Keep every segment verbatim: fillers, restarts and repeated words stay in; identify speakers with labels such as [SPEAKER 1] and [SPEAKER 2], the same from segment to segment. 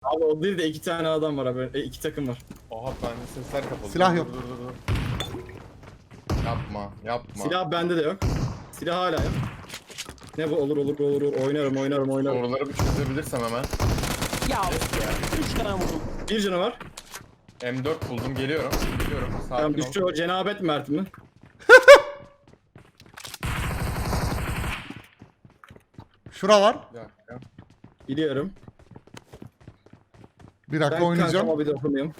[SPEAKER 1] Abi o değil de iki tane adam var abi. E, iki takım var.
[SPEAKER 2] Oha bende sesler kapalı.
[SPEAKER 3] Silah
[SPEAKER 2] Dur,
[SPEAKER 3] yok.
[SPEAKER 2] Dur dur dur. Yapma yapma.
[SPEAKER 1] Silah bende de yok. Silah hala yok. Ne bu olur olur olur olur. Oynarım oynarım oynarım.
[SPEAKER 2] Soruları bir çözebilirsem hemen.
[SPEAKER 4] Ya üç tane vurdum.
[SPEAKER 1] Bir canı var.
[SPEAKER 2] M dört buldum geliyorum. Geliyorum. Sakin
[SPEAKER 1] Tamam
[SPEAKER 2] ol.
[SPEAKER 1] düştü o cenabet Mert mi?
[SPEAKER 3] Şura var.
[SPEAKER 2] Bir dakika.
[SPEAKER 1] Biliyorum.
[SPEAKER 3] Bir dakika
[SPEAKER 1] Ben
[SPEAKER 3] oynayacağım.
[SPEAKER 1] kankama bir dokunuyorum.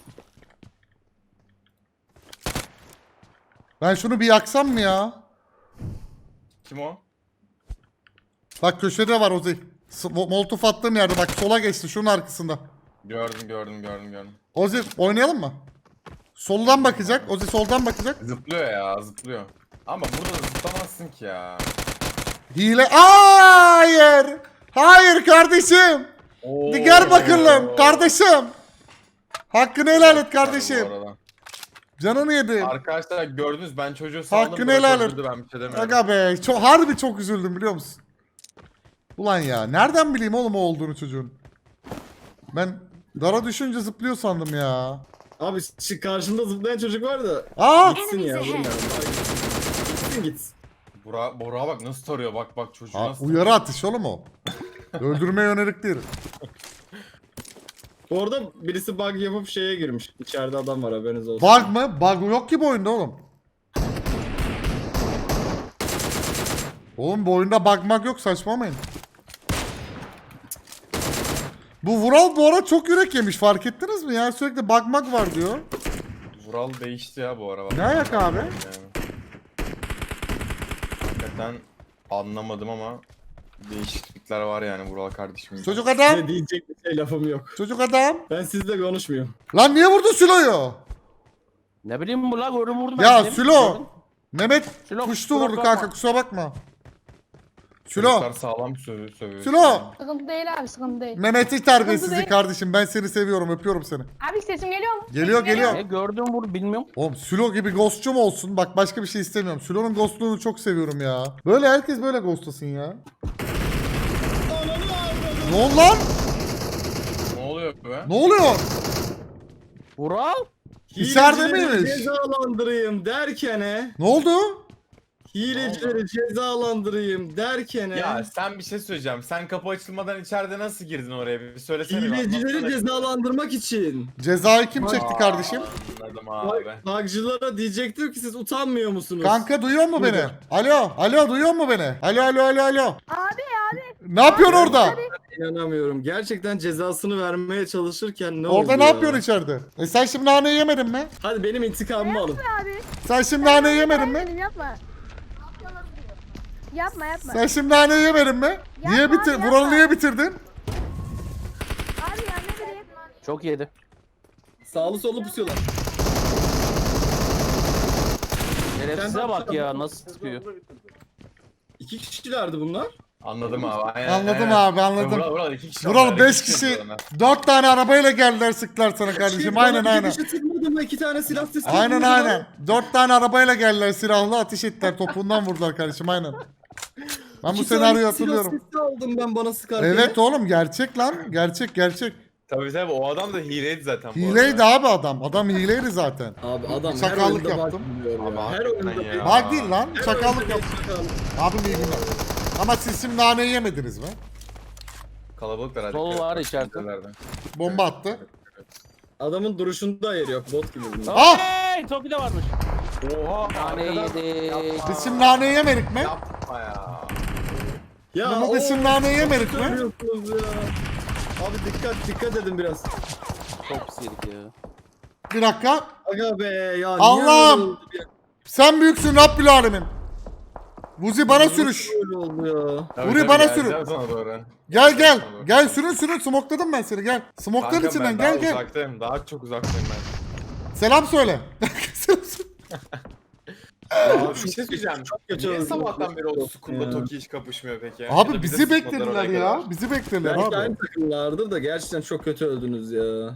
[SPEAKER 3] Ben şunu bir yaksam mı ya?
[SPEAKER 2] Kim o?
[SPEAKER 3] Bak köşede var Ozi. S- Molotof attığım yerde bak sola geçti şunun arkasında.
[SPEAKER 2] Gördüm gördüm gördüm gördüm.
[SPEAKER 3] Ozi oynayalım mı? Soldan bakacak. Ozi soldan bakacak.
[SPEAKER 2] Zıplıyor ya zıplıyor. Ama burada da zıplamazsın ki ya.
[SPEAKER 3] Hile. Hayır. Hayır kardeşim.
[SPEAKER 2] Oo.
[SPEAKER 3] Gel bakalım kardeşim. Hakkını helal et
[SPEAKER 2] Bu
[SPEAKER 3] kardeşim.
[SPEAKER 2] arada.
[SPEAKER 3] Canını yedim.
[SPEAKER 2] Arkadaşlar gördünüz ben çocuğu saldım.
[SPEAKER 3] Hakkını
[SPEAKER 2] böyle
[SPEAKER 3] helal et.
[SPEAKER 2] öldürdü, Ben bir şey demiyorum.
[SPEAKER 3] Aga be. Çok, harbi çok üzüldüm biliyor musun? Ulan ya. Nereden bileyim oğlum o olduğunu çocuğun? Ben dara düşünce zıplıyor sandım ya.
[SPEAKER 1] Abi şu karşında zıplayan çocuk var da.
[SPEAKER 3] Aa!
[SPEAKER 1] Gitsin ya. bilmiyorum. Gitsin gitsin.
[SPEAKER 2] Bora, Bora bak nasıl tarıyor bak bak çocuğu
[SPEAKER 3] Aa,
[SPEAKER 2] nasıl
[SPEAKER 3] uyarı atış oğlum o. Öldürmeye yönelik değil.
[SPEAKER 1] Orada birisi bug yapıp şeye girmiş. İçeride adam var haberiniz olsun.
[SPEAKER 3] Bug mı? Bug yok ki bu oyunda oğlum. Oğlum bu oyunda bug mag yok saçmalamayın. Bu Vural bu ara çok yürek yemiş fark ettiniz mi ya? Sürekli bug mag var diyor.
[SPEAKER 2] Vural değişti ya bu ara. bak.
[SPEAKER 3] Ne ayak abi?
[SPEAKER 2] Yani. Hakikaten anlamadım ama değişiklikler var yani Vural kardeşim.
[SPEAKER 3] Çocuk adam.
[SPEAKER 1] Ne diyecek bir şey lafım yok.
[SPEAKER 3] Çocuk adam.
[SPEAKER 1] Ben sizle konuşmuyorum.
[SPEAKER 3] Lan niye vurdun Sülo'yu?
[SPEAKER 4] Ne bileyim bu la gördüm vurdum.
[SPEAKER 3] Ya
[SPEAKER 4] ben.
[SPEAKER 3] Sülo. Mehmet
[SPEAKER 4] Sülo,
[SPEAKER 3] kuştu
[SPEAKER 4] kusura
[SPEAKER 3] vurdu
[SPEAKER 4] bakma.
[SPEAKER 3] kanka kusura bakma.
[SPEAKER 2] Çocuklar
[SPEAKER 3] Sülo.
[SPEAKER 2] sağlam sövüyor. sövüyor.
[SPEAKER 3] Sülo.
[SPEAKER 5] Sıkıntı değil abi, sıkıntı değil.
[SPEAKER 3] Mehmet'i terbiyesizlik
[SPEAKER 5] değil.
[SPEAKER 3] kardeşim ben seni seviyorum öpüyorum seni.
[SPEAKER 5] Abi sesim geliyor mu?
[SPEAKER 3] Geliyor,
[SPEAKER 5] Sesim
[SPEAKER 3] geliyor.
[SPEAKER 4] Ne gördüm vur bilmiyorum.
[SPEAKER 3] Oğlum Sülo gibi ghostçum olsun. Bak başka bir şey istemiyorum. Sülo'nun ghostluğunu çok seviyorum ya. Böyle herkes böyle ghostlasın ya. Ne oldu lan?
[SPEAKER 2] Ne oluyor be?
[SPEAKER 3] Ne oluyor?
[SPEAKER 4] Vural.
[SPEAKER 3] İçeride
[SPEAKER 1] Hilecileri
[SPEAKER 3] miymiş?
[SPEAKER 1] Cezalandırayım derkene.
[SPEAKER 3] Ne oldu?
[SPEAKER 1] Hilecileri cezalandırayım derkene.
[SPEAKER 2] Ya sen bir şey söyleyeceğim. Sen kapı açılmadan içeride nasıl girdin oraya? Bir söylesene. bir
[SPEAKER 1] Hilecileri
[SPEAKER 2] anlatsana.
[SPEAKER 1] cezalandırmak için.
[SPEAKER 3] Cezayı kim çekti kardeşim?
[SPEAKER 2] Anladım abi.
[SPEAKER 1] Bugcılara diyecektim ki siz utanmıyor musunuz?
[SPEAKER 3] Kanka duyuyor mu beni?
[SPEAKER 1] Buyurun.
[SPEAKER 3] Alo, alo duyuyor mu beni? Alo, alo, alo, alo.
[SPEAKER 5] Abi abi.
[SPEAKER 3] Ne yapıyorsun orada?
[SPEAKER 1] İnanamıyorum. Gerçekten cezasını vermeye çalışırken ne oldu
[SPEAKER 3] Orada ne
[SPEAKER 1] ya?
[SPEAKER 3] yapıyorsun içeride? E sen şimdi naneyi yemedin mi?
[SPEAKER 1] Hadi benim intikamımı alın.
[SPEAKER 5] Abi.
[SPEAKER 3] Sen şimdi naneyi yemedin mi?
[SPEAKER 5] Benim yapma. Yapma yapma.
[SPEAKER 3] Sen şimdi naneyi yemedin mi? Niye
[SPEAKER 5] Yapma
[SPEAKER 3] bitir?
[SPEAKER 5] abi,
[SPEAKER 3] Vuralı
[SPEAKER 5] yapma.
[SPEAKER 3] niye bitirdin?
[SPEAKER 5] Abi ya ne bileyim.
[SPEAKER 4] Çok yedi.
[SPEAKER 1] Sağlı sollu pusuyorlar.
[SPEAKER 4] Şerefsize bak ya nasıl sıkıyor.
[SPEAKER 1] İki kişilerdi bunlar.
[SPEAKER 2] Anladım abi. Aynen,
[SPEAKER 3] Anladım
[SPEAKER 2] aynen.
[SPEAKER 3] abi, anladım.
[SPEAKER 2] Vural, Vural iki kişi.
[SPEAKER 3] Vural
[SPEAKER 2] onlar,
[SPEAKER 3] beş
[SPEAKER 2] iki
[SPEAKER 3] kişi,
[SPEAKER 2] onlar.
[SPEAKER 3] dört tane arabayla geldiler sıktılar sana kardeşim.
[SPEAKER 1] Şey,
[SPEAKER 3] Aynen
[SPEAKER 1] bana
[SPEAKER 3] aynen.
[SPEAKER 1] Bir kişi sıkmadı mı? İki tane silah sesi.
[SPEAKER 3] Aynen
[SPEAKER 1] vurdu
[SPEAKER 3] aynen.
[SPEAKER 1] lan.
[SPEAKER 3] Dört tane arabayla geldiler silahlı ateş ettiler topuğundan vurdular kardeşim aynen. Ben bu
[SPEAKER 1] İki
[SPEAKER 3] senaryoyu
[SPEAKER 1] tane
[SPEAKER 3] hatırlıyorum.
[SPEAKER 1] Silah sesi aldım ben bana sıkarken.
[SPEAKER 3] Evet oğlum gerçek lan. Gerçek gerçek.
[SPEAKER 2] Tabii tabii o adam da hileydi zaten. bu
[SPEAKER 3] Hileydi
[SPEAKER 2] arada.
[SPEAKER 3] abi adam. Adam hileydi zaten.
[SPEAKER 1] Abi adam her
[SPEAKER 3] Çakallık
[SPEAKER 1] oyunda
[SPEAKER 3] yaptım.
[SPEAKER 1] bug buluyor ya.
[SPEAKER 2] Ama
[SPEAKER 1] Her oyunda
[SPEAKER 2] hakikaten
[SPEAKER 1] bir-
[SPEAKER 2] ya.
[SPEAKER 3] Bak değil lan.
[SPEAKER 1] her
[SPEAKER 3] Çakallık
[SPEAKER 1] oyunda
[SPEAKER 3] yaptım.
[SPEAKER 1] bir çakallık.
[SPEAKER 3] Abim iyi günler. Ama siz şimdi naneyi yemediniz mi?
[SPEAKER 2] Kalabalıklar hadi.
[SPEAKER 4] Sol var içeride.
[SPEAKER 2] Kalabalıklardı.
[SPEAKER 3] Bomba attı.
[SPEAKER 1] Adamın duruşunda ayarı yok. Bot gibi bunlar.
[SPEAKER 3] Ah!
[SPEAKER 4] Hey Toki de varmış.
[SPEAKER 2] Oha.
[SPEAKER 4] Tane
[SPEAKER 2] arkadan-
[SPEAKER 4] yedi.
[SPEAKER 3] Biz şimdi naneyi yemedik mi?
[SPEAKER 2] Yapma ya.
[SPEAKER 1] Ya
[SPEAKER 3] Bunu
[SPEAKER 1] o-
[SPEAKER 3] biz şimdi naneyi yemedik mi?
[SPEAKER 1] söylüyorsunuz ya. Abi dikkat dikkat edin biraz.
[SPEAKER 4] Çok pis yedik ya.
[SPEAKER 3] Bir dakika.
[SPEAKER 1] Aga be ya. niye
[SPEAKER 3] Allah'ım!
[SPEAKER 1] öyle oldu ya?
[SPEAKER 3] Sen büyüksün Rabbil Alemin. Vuzi bana sürüş.
[SPEAKER 1] Öyle oldu ya.
[SPEAKER 2] Tabii,
[SPEAKER 3] Burayı
[SPEAKER 2] tabii,
[SPEAKER 3] bana
[SPEAKER 2] geleceğim
[SPEAKER 3] sürün.
[SPEAKER 2] sana doğru.
[SPEAKER 3] Gel gel. Gel sürün sürün. Smokladım ben seni gel. Smokların
[SPEAKER 2] Kankam,
[SPEAKER 3] içinden
[SPEAKER 2] ben daha
[SPEAKER 3] gel gel.
[SPEAKER 2] uzaktayım. Daha çok uzaktayım ben.
[SPEAKER 3] Selam söyle. Selam söyle.
[SPEAKER 2] Abi bir şey söyleyeceğim.
[SPEAKER 1] Çok kötü
[SPEAKER 2] Niye
[SPEAKER 1] oldu.
[SPEAKER 2] sabahtan beri o
[SPEAKER 1] Çok
[SPEAKER 2] Skull'la
[SPEAKER 1] ya.
[SPEAKER 2] Toki hiç kapışmıyor peki? Ya da
[SPEAKER 3] Abi
[SPEAKER 2] bize
[SPEAKER 3] bizi
[SPEAKER 2] sıkmadılar
[SPEAKER 3] beklediler
[SPEAKER 2] oraya
[SPEAKER 3] ya.
[SPEAKER 2] kadar.
[SPEAKER 3] Bizi beklediler
[SPEAKER 1] Belki
[SPEAKER 3] abi.
[SPEAKER 1] aynı takımlardır da gerçekten çok kötü öldünüz ya.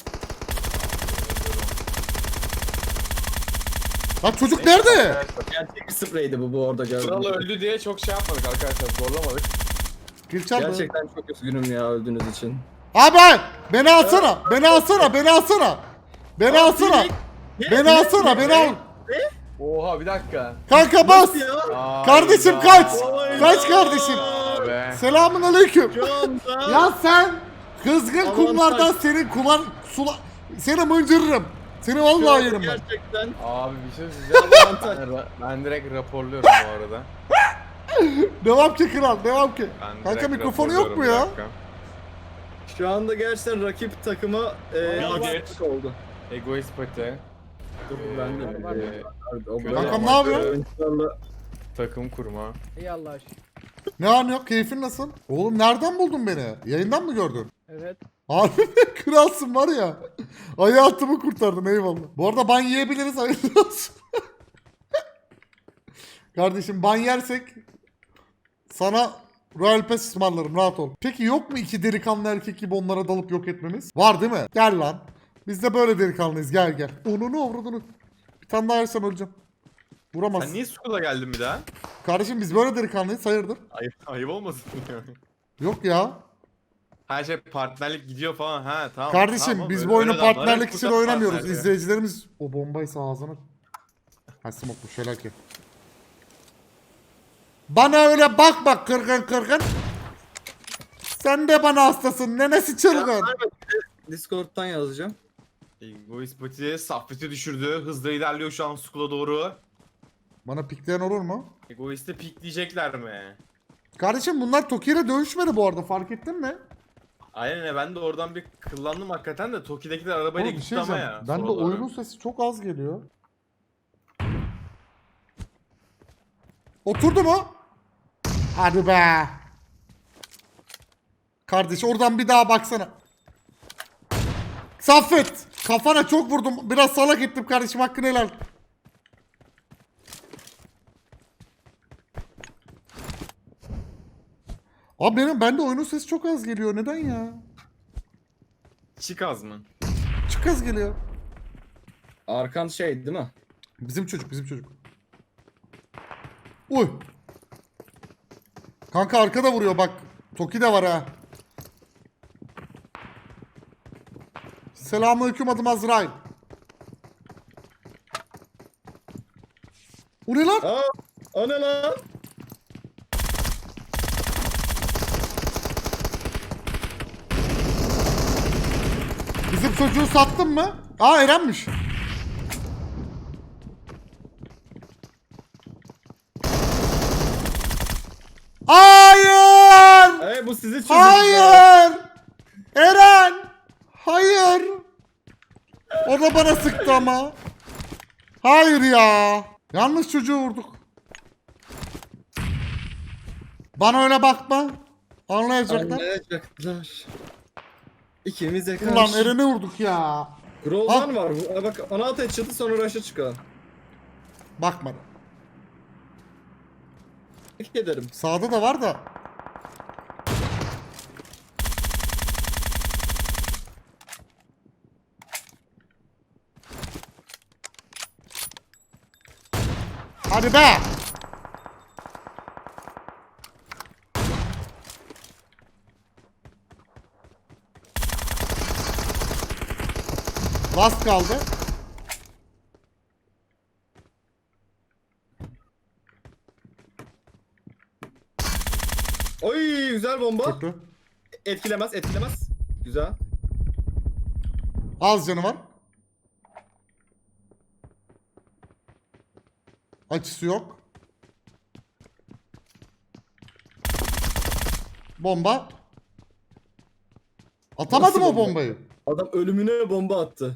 [SPEAKER 3] Lan çocuk nerede?
[SPEAKER 1] Gerçek bir spreydi bu bu orada
[SPEAKER 2] Kral
[SPEAKER 1] gördüm.
[SPEAKER 2] öldü diye çok şey yapmadık arkadaşlar. Zorlamadık.
[SPEAKER 3] Gülçen mi?
[SPEAKER 1] Gerçekten çok üzgünüm ya öldüğünüz için.
[SPEAKER 3] Abi beni alsana. Beni alsana. Beni alsana. Beni alsana. Beni alsana. Beni al.
[SPEAKER 2] Oha bir dakika.
[SPEAKER 3] Kanka bas.
[SPEAKER 2] Aa,
[SPEAKER 3] Kardeşim
[SPEAKER 2] ya.
[SPEAKER 3] kaç.
[SPEAKER 1] Hayda.
[SPEAKER 3] Kaç kardeşim.
[SPEAKER 2] Be.
[SPEAKER 3] Selamun aleyküm.
[SPEAKER 1] Şu anda.
[SPEAKER 3] Ya sen kızgın
[SPEAKER 1] Aman
[SPEAKER 3] kumlardan
[SPEAKER 1] tak.
[SPEAKER 3] senin kumar sula seni mıncırırım. Seni
[SPEAKER 1] şu
[SPEAKER 3] vallahi
[SPEAKER 1] anda
[SPEAKER 3] yerim ben.
[SPEAKER 1] Gerçekten.
[SPEAKER 2] Abi bir şey söyleyeceğim. ben, ra- ben direkt raporluyorum bu arada.
[SPEAKER 3] Devam ki kral, devam ki.
[SPEAKER 2] Ben
[SPEAKER 3] Kanka
[SPEAKER 2] direkt
[SPEAKER 3] mikrofonu yok mu
[SPEAKER 2] raporluyorum,
[SPEAKER 3] ya?
[SPEAKER 2] bir dakika.
[SPEAKER 1] Şu anda gerçekten rakip takıma e,
[SPEAKER 2] Vallahi
[SPEAKER 1] haksızlık oldu.
[SPEAKER 2] Egoist pati.
[SPEAKER 1] Dur ben de.
[SPEAKER 2] Ee,
[SPEAKER 1] O böyle
[SPEAKER 3] Kankam ne yapıyorsun?
[SPEAKER 1] oyuncularla
[SPEAKER 2] takım kurma.
[SPEAKER 6] İyi Allah aşkına.
[SPEAKER 3] Ne an yok, keyfin nasıl? Oğlum nereden buldun beni? Yayından mı gördün?
[SPEAKER 6] Evet.
[SPEAKER 3] Abi kralsın var ya. Hayatımı kurtardın eyvallah. Bu arada ban yiyebiliriz hayırlı olsun. Kardeşim ban yersek sana Royal Pass ısmarlarım rahat ol. Peki yok mu iki delikanlı erkek gibi onlara dalıp yok etmemiz? Var değil mi? Gel lan. Biz de böyle delikanlıyız gel gel. Onunu avradını. Bir tane daha yersem öleceğim. Vuramaz.
[SPEAKER 2] Sen niye Skull'a geldin bir daha?
[SPEAKER 3] Kardeşim biz böyle delikanlıyız hayırdır?
[SPEAKER 2] Ayıp, ayıp olmasın ya.
[SPEAKER 3] Yok ya.
[SPEAKER 2] Her şey partnerlik gidiyor falan. Ha tamam.
[SPEAKER 3] Kardeşim
[SPEAKER 2] tamam,
[SPEAKER 3] biz
[SPEAKER 2] öyle-
[SPEAKER 3] bu oyunu
[SPEAKER 2] öyle adamlar
[SPEAKER 3] partnerlik
[SPEAKER 2] hep
[SPEAKER 3] için
[SPEAKER 2] burada
[SPEAKER 3] oynamıyoruz.
[SPEAKER 2] partner ya.
[SPEAKER 3] İzleyicilerimiz o bombaysa ağzına. Ha smoke bu şelake. Bana öyle bak bak kırgın kırgın. Sen de bana hastasın. Nenesi çılgın.
[SPEAKER 1] Discord'dan yazacağım.
[SPEAKER 2] Egoist pati Saffet'i düşürdü. Hızla ilerliyor şu an Skull'a doğru.
[SPEAKER 3] Bana pikleyen olur mu?
[SPEAKER 2] Egoist'e pikleyecekler mi?
[SPEAKER 3] Kardeşim bunlar Toki ile dövüşmedi bu arada fark ettin mi?
[SPEAKER 2] Aynen öyle, ben de oradan bir kıllandım hakikaten de Toki'dekiler arabayla
[SPEAKER 3] Oğlum bir
[SPEAKER 2] gitti
[SPEAKER 3] şey
[SPEAKER 2] ama
[SPEAKER 3] diyeceğim.
[SPEAKER 2] ya.
[SPEAKER 3] Ben de
[SPEAKER 2] sola doğru.
[SPEAKER 3] oyunun sesi çok az geliyor. Oturdu mu? Hadi be. Kardeş oradan bir daha baksana. Saffet. Kafana çok vurdum. Biraz salak ettim kardeşim hakkını helal. Abi benim bende oyunun sesi çok az geliyor. Neden ya?
[SPEAKER 2] Çık az mı?
[SPEAKER 3] Çok az geliyor.
[SPEAKER 1] Arkan şey değil mi?
[SPEAKER 3] Bizim çocuk, bizim çocuk. Uy. Kanka arkada vuruyor bak. Toki de var ha. Selamünaleyküm adım Azrail. O ne lan?
[SPEAKER 1] Aa, o ne lan?
[SPEAKER 3] Bizim çocuğu sattın mı? Aa Eren'miş. Hayır!
[SPEAKER 1] Hey bu sizi çocuk.
[SPEAKER 3] Hayır! Eren! Hayır! O da bana sıktı ama. Hayır ya. Yanlış çocuğu vurduk. Bana öyle bakma. Anlayacaklar.
[SPEAKER 1] Anlayacaklar. İkimize karşı.
[SPEAKER 3] Ulan Eren'i vurduk ya.
[SPEAKER 1] Groldan var. Bu- Bak ona ateş çatı sonra rush'a çıkalım.
[SPEAKER 3] Bakma.
[SPEAKER 1] Tebrik ederim.
[SPEAKER 3] Sağda da var da. Hadi be. Last kaldı.
[SPEAKER 1] Oy güzel bomba.
[SPEAKER 3] Kötü.
[SPEAKER 1] Etkilemez etkilemez. Güzel.
[SPEAKER 3] Az canı var. Açısı yok. Bomba. Atamadım
[SPEAKER 1] Nasıl
[SPEAKER 3] o
[SPEAKER 1] bomba?
[SPEAKER 3] bombayı.
[SPEAKER 1] Adam ölümüne bomba attı.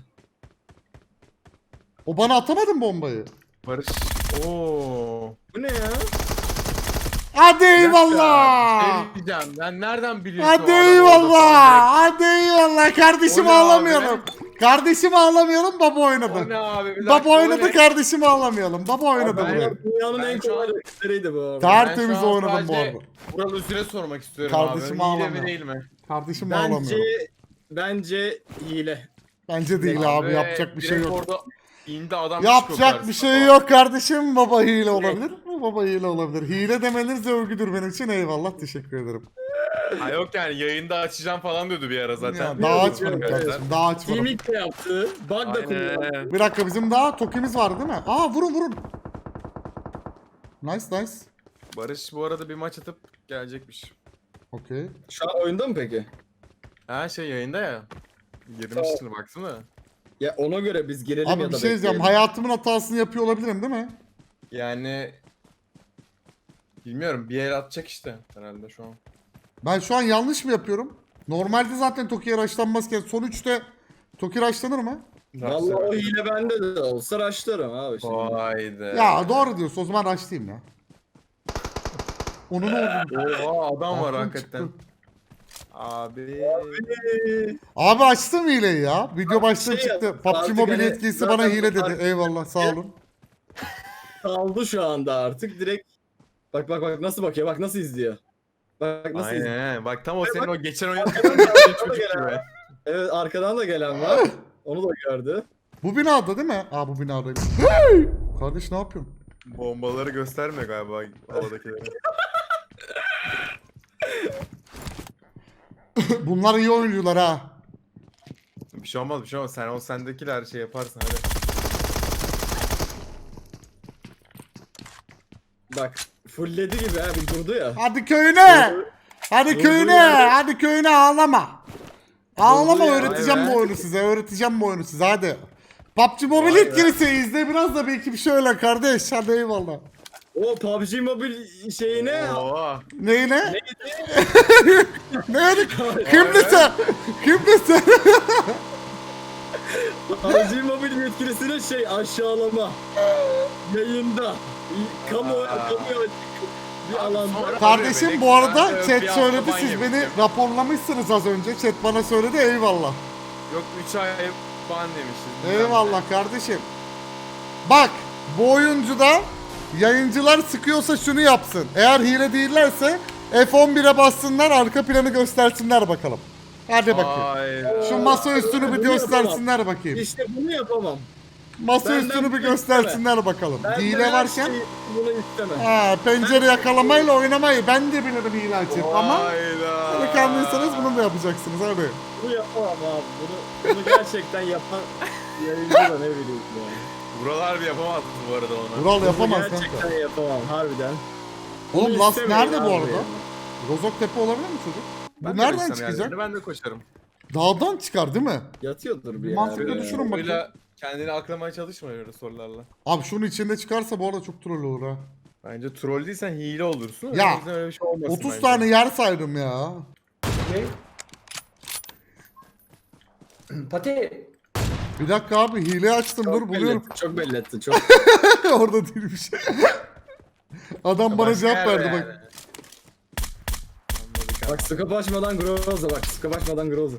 [SPEAKER 3] O bana atamadı bombayı.
[SPEAKER 2] Barış. Oo.
[SPEAKER 1] Bu ne ya?
[SPEAKER 3] Hadi
[SPEAKER 2] Bir
[SPEAKER 3] eyvallah.
[SPEAKER 2] şey diyeceğim. Ben nereden biliyorsun?
[SPEAKER 3] Hadi
[SPEAKER 2] o adamı orada
[SPEAKER 3] eyvallah. Hadi eyvallah. Kardeşim
[SPEAKER 2] O ne abi?
[SPEAKER 3] ağlamayalım. Kardeşim ağlamayalım. Baba
[SPEAKER 2] O
[SPEAKER 3] oynadı.
[SPEAKER 2] ne abi? Bir
[SPEAKER 3] Baba
[SPEAKER 2] dakika, o
[SPEAKER 3] oynadı
[SPEAKER 2] ne?
[SPEAKER 3] kardeşim ağlamayalım. Baba oynadı
[SPEAKER 2] ben-
[SPEAKER 3] buraya.
[SPEAKER 1] Dünyanın
[SPEAKER 2] ben
[SPEAKER 1] en
[SPEAKER 2] şu
[SPEAKER 1] kolay
[SPEAKER 2] an-
[SPEAKER 1] rakipleriydi bu arada.
[SPEAKER 3] Tertemiz
[SPEAKER 2] Ben şu an
[SPEAKER 3] oynadım bu
[SPEAKER 2] sadece
[SPEAKER 3] arada.
[SPEAKER 2] Vural Üzül'e sormak istiyorum
[SPEAKER 3] Kardeşim
[SPEAKER 2] abi. Hile
[SPEAKER 3] ağlamıyor.
[SPEAKER 2] mi değil mi?
[SPEAKER 3] Kardeşim
[SPEAKER 1] Bence
[SPEAKER 3] ağlamıyor.
[SPEAKER 1] bence hile.
[SPEAKER 3] Bence değil abi, yapacak bir şey
[SPEAKER 2] direkt
[SPEAKER 3] yok.
[SPEAKER 2] Orada indi adam
[SPEAKER 3] Yapacak
[SPEAKER 2] çıkıyor
[SPEAKER 3] bir şey
[SPEAKER 2] karşısına.
[SPEAKER 3] yok kardeşim. Baba hile olabilir. Baba hile olabilir. Hile demeniz de övgüdür benim için. Eyvallah teşekkür ederim.
[SPEAKER 2] Ha yok yani yayında açacağım falan diyordu bir ara zaten.
[SPEAKER 3] Ya, daha açmadım
[SPEAKER 1] Evet.
[SPEAKER 3] kardeşim. Daha açmadım.
[SPEAKER 1] Teaming de yaptı. Bug da kullandı.
[SPEAKER 2] Aynen.
[SPEAKER 3] Bir dakika bizim daha tokimiz vardı değil mi? Aa vurun vurun. Nice nice.
[SPEAKER 2] Barış bu arada bir maç atıp gelecekmiş.
[SPEAKER 3] Okey.
[SPEAKER 1] Şu an oyunda mı peki?
[SPEAKER 2] Ha şey yayında ya. Girmiştir baksana.
[SPEAKER 1] Ya ona göre biz girelim
[SPEAKER 3] Abi
[SPEAKER 1] ya
[SPEAKER 3] bir
[SPEAKER 1] da
[SPEAKER 3] şey diyeceğim.
[SPEAKER 1] bekleyelim.
[SPEAKER 3] Hayatımın hatasını yapıyor olabilirim değil mi?
[SPEAKER 2] Yani bilmiyorum bir el atacak işte herhalde şu an.
[SPEAKER 3] Ben şu an yanlış mı yapıyorum? Normalde zaten Toki'ye raşlanmazken son üçte Toki raşlanır mı?
[SPEAKER 1] Vallahi o hile bende de olsa raşlarım abi şimdi.
[SPEAKER 2] Haydi.
[SPEAKER 3] Ya doğru diyorsun. O zaman raşlayayım ya. Onun oldu.
[SPEAKER 2] Oha adam var
[SPEAKER 3] Aklım
[SPEAKER 2] hakikaten.
[SPEAKER 3] çıktı.
[SPEAKER 2] Abi.
[SPEAKER 3] Abi açtım hileyi ya. Video başlığı
[SPEAKER 1] Şey
[SPEAKER 3] çıktı.
[SPEAKER 1] yap,
[SPEAKER 3] P U B G
[SPEAKER 1] artık
[SPEAKER 3] Mobile
[SPEAKER 1] hani
[SPEAKER 3] yetkilisi
[SPEAKER 1] zaten
[SPEAKER 3] bana hile dedi.
[SPEAKER 1] artık-
[SPEAKER 3] Eyvallah sağ olun.
[SPEAKER 1] Kaldı şu anda artık direkt. Bak bak bak nasıl bakıyor, bak nasıl izliyor. Bak nasıl izliyor.
[SPEAKER 2] Aynen. Bak tam o senin o geçen oyun çocuk gibi.
[SPEAKER 1] Evet arkadan da gelen var. Onu da gördü.
[SPEAKER 3] Bu binada değil mi? Aa bu binadayım. Hey! Kardeş ne yapıyorsun?
[SPEAKER 2] Bombaları göstermiyor galiba havadakileri.
[SPEAKER 3] Bunlar iyi oyuncular ha.
[SPEAKER 2] Bir şey olmaz bir şey olmaz. Sen o sendekiler şey yaparsın hadi.
[SPEAKER 1] Bak fullledi gibi ha bir durdu ya.
[SPEAKER 3] Hadi köyüne. Hadi
[SPEAKER 1] Dur,
[SPEAKER 3] köyüne.
[SPEAKER 1] dur ya.
[SPEAKER 3] Hadi köyüne ağlama. Ağlama
[SPEAKER 1] ya,
[SPEAKER 3] öğreteceğim
[SPEAKER 1] vay
[SPEAKER 3] bu
[SPEAKER 1] be.
[SPEAKER 3] oyunu size. Öğreteceğim bu oyunu size hadi. P U B G Mobile
[SPEAKER 1] Vay be.
[SPEAKER 3] yetkilisi izle biraz da belki bir şey öyle kardeş. Hadi eyvallah.
[SPEAKER 1] O P U B G Mobile şeyine
[SPEAKER 2] Oha.
[SPEAKER 3] Neyine? Neydi? Kimdi sen? Kimdi sen?
[SPEAKER 1] P U B G Mobile yetkilisine şey aşağılama. Yayında. Kamu kamuya açık bir alanda.
[SPEAKER 3] Kardeşim bu arada
[SPEAKER 2] Ben de
[SPEAKER 3] chat
[SPEAKER 2] bir
[SPEAKER 3] söyledi
[SPEAKER 2] hafta ban
[SPEAKER 3] siz beni
[SPEAKER 2] yemiştim.
[SPEAKER 3] raporlamışsınız az önce. Chat bana söyledi eyvallah.
[SPEAKER 2] Yok üç ay ban demişiz.
[SPEAKER 3] Eyvallah kardeşim. Bak bu oyuncuda yayıncılar sıkıyorsa şunu yapsın. Eğer hile değillerse F on bire bassınlar arka planı göstersinler bakalım. Hadi bakayım.
[SPEAKER 2] Hayda.
[SPEAKER 3] Şu masa üstünü bir
[SPEAKER 1] Bunu
[SPEAKER 3] göstersinler bakayım.
[SPEAKER 1] İşte bunu yapamam.
[SPEAKER 3] Masa
[SPEAKER 1] benden
[SPEAKER 3] üstünü bir
[SPEAKER 1] bunu
[SPEAKER 3] göstersinler bakalım.
[SPEAKER 1] Ben
[SPEAKER 3] Hile
[SPEAKER 1] de her
[SPEAKER 3] varken
[SPEAKER 1] şeyi bunu istemem.
[SPEAKER 3] ha, pencere yakalamayla oynamayı ben de bilirim hile açıp ama
[SPEAKER 2] Hayda.
[SPEAKER 3] delikanlıysanız bunu da yapacaksınız hadi.
[SPEAKER 1] Bunu yapamam abi. Bunu, bunu gerçekten yapan yayıncı da ne bileyim ya.
[SPEAKER 2] Buralar bir yapamazsın bu arada onu.
[SPEAKER 3] Vural
[SPEAKER 1] Bunu
[SPEAKER 3] yapamaz
[SPEAKER 1] gerçekten
[SPEAKER 3] kanka.
[SPEAKER 1] yapamam harbiden.
[SPEAKER 3] Oğlum
[SPEAKER 1] Bunu
[SPEAKER 3] Last
[SPEAKER 1] istemeyin
[SPEAKER 3] nerede bu
[SPEAKER 1] abi
[SPEAKER 3] arada?
[SPEAKER 1] ya.
[SPEAKER 3] Rozoktepe olabilir mi çocuk? Bu
[SPEAKER 2] Ben de
[SPEAKER 3] nereden
[SPEAKER 2] koşsam
[SPEAKER 3] çıkacak?
[SPEAKER 2] yani, Ben de koşarım.
[SPEAKER 3] Dağdan çıkar değil mi?
[SPEAKER 1] Yatıyordur bir
[SPEAKER 3] Mantıklı
[SPEAKER 1] yerde.
[SPEAKER 3] düşün. Düşünün bakayım.
[SPEAKER 2] Böyle kendini aklamaya çalışma öyle sorularla.
[SPEAKER 3] Abi şunun içinde çıkarsa bu arada çok troll olur ha.
[SPEAKER 2] Bence troll değilsen hile olursun.
[SPEAKER 3] Ya,
[SPEAKER 2] O yüzden öyle bir şey olmasın
[SPEAKER 3] otuz
[SPEAKER 2] bence.
[SPEAKER 3] tane yer saydım ya.
[SPEAKER 6] Pati.
[SPEAKER 3] Bir dakika abi hile açtım dur
[SPEAKER 1] Çok belli
[SPEAKER 3] buluyorum.
[SPEAKER 1] etti, çok belli etti. Çok.
[SPEAKER 3] Orada değilmiş. Adam bana
[SPEAKER 2] Başka
[SPEAKER 3] cevap
[SPEAKER 2] yerde
[SPEAKER 3] verdi bak.
[SPEAKER 2] yani. Anladık abi.
[SPEAKER 1] Bak skop açmadan Groza bak. Skop açmadan Groza.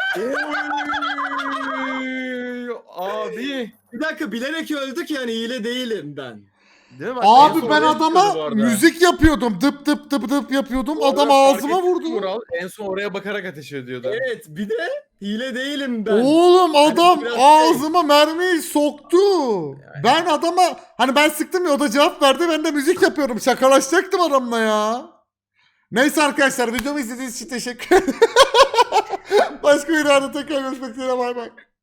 [SPEAKER 2] Oy, abi.
[SPEAKER 1] Bir dakika bilerek öldük yani hile değilim ben.
[SPEAKER 2] Değil mi? Bak, en
[SPEAKER 3] Abi
[SPEAKER 2] son
[SPEAKER 3] ben
[SPEAKER 2] oraya çıkıyordu bu
[SPEAKER 3] adama
[SPEAKER 2] arada.
[SPEAKER 3] müzik yapıyordum. Dıp dıp dıp dıp yapıyordum.
[SPEAKER 2] Orada
[SPEAKER 3] Adam
[SPEAKER 2] fark
[SPEAKER 3] ağzıma
[SPEAKER 2] ettin mi
[SPEAKER 3] vurdu.
[SPEAKER 2] Vural? En son oraya bakarak ateş ediyordu.
[SPEAKER 1] Evet bir de hile değilim ben.
[SPEAKER 3] Oğlum adam
[SPEAKER 1] biraz şey-
[SPEAKER 3] ağzıma mermiyi soktu. Ben adama hani ben sıktım ya o da cevap verdi. Ben de müzik yapıyorum. Şakalaşacaktım adamla ya. Neyse arkadaşlar videomu izlediğiniz için teşekkür ederim. Başka bir arada tekrar görüşmek üzere bay bay.